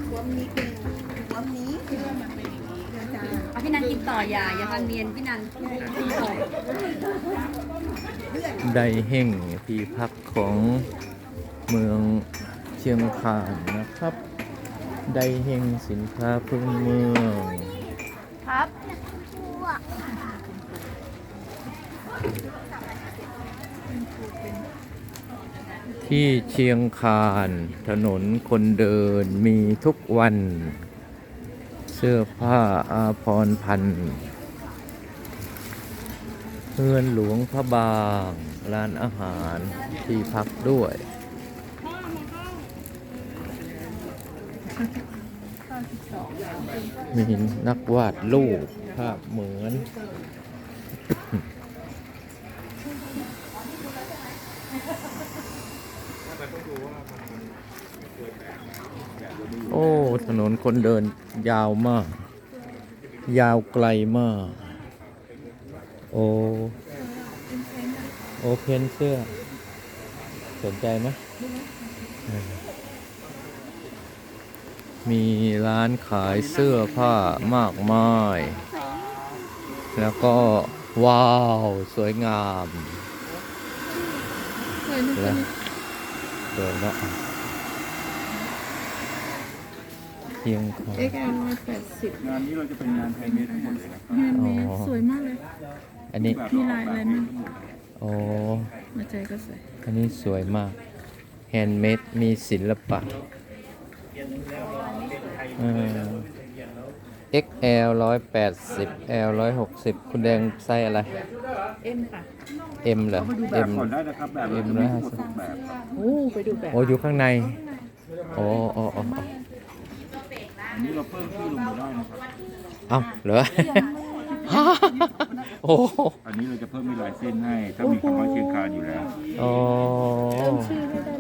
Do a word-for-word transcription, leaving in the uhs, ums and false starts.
หัวนี้เป็นหัวนี้คือมันเป็นอย่างนี้อาจารย์เอาพี่นันกินต่ออย่าอย่าทานเมียนพี่นันกินต่อไดเฮ่งที่พักของเมืองเชียงคานนะครับ ไดเฮ่งสินค้าพื้นเมืองครับที่เชียงคานถนนคนเดินมีทุกวัน เสื้อผ้าอาภรณ์พันธุ์เฮือนหลวงพระบางร้านอาหารที่พักด้วย มีนักวาดรูปภาพเหมือน โอ้ ถนนคนเดินยาวมาก ยาวไกลมาก โอ้ โอเพนเสื้อ สนใจไหมมีร้านขายเสื้อผ้ามากมาย แล้วก็ว้าว สวยงามแล้วสวยแล้วเพียงคอเอ็กซ์แอลร้อยแปดสิบงานนี้เราจะเป็นงานไทยเมดทั้งหมดเลยนะครับงานเมสอ๋อสวยมากเลยอันนี้มีลายอะไรมั่งโอ้หัวใจก็สวยอันนี้สวยมาก แฮนด์เมด มีศิลปะเออ เอ็กซ์ แอล ร้อยแปดสิบ แอล ร้อยหกสิบ คุณแดงไส้อะไรเอ็มค่ะ M เหรอเข้าไปดูแบบ M ก่อนได้นะครับแบบเอ็เรามจะร้มีอยห้าทั้งหมสิดบหกแบบครับโอ้ไปดูแบบโอ้อยู่ข้างใน โอ้โอ้โอ้โอ้อันนี้เราเพิ่มชื่อลงมาได้นะครับเอ้าเหรอ โอ้อันนี้เราจะเพิ่มมีลายเส้นให้ ถ้ามีคำว่าเชียงคานอยู่แล้วโอ้ชื่อไม่ได้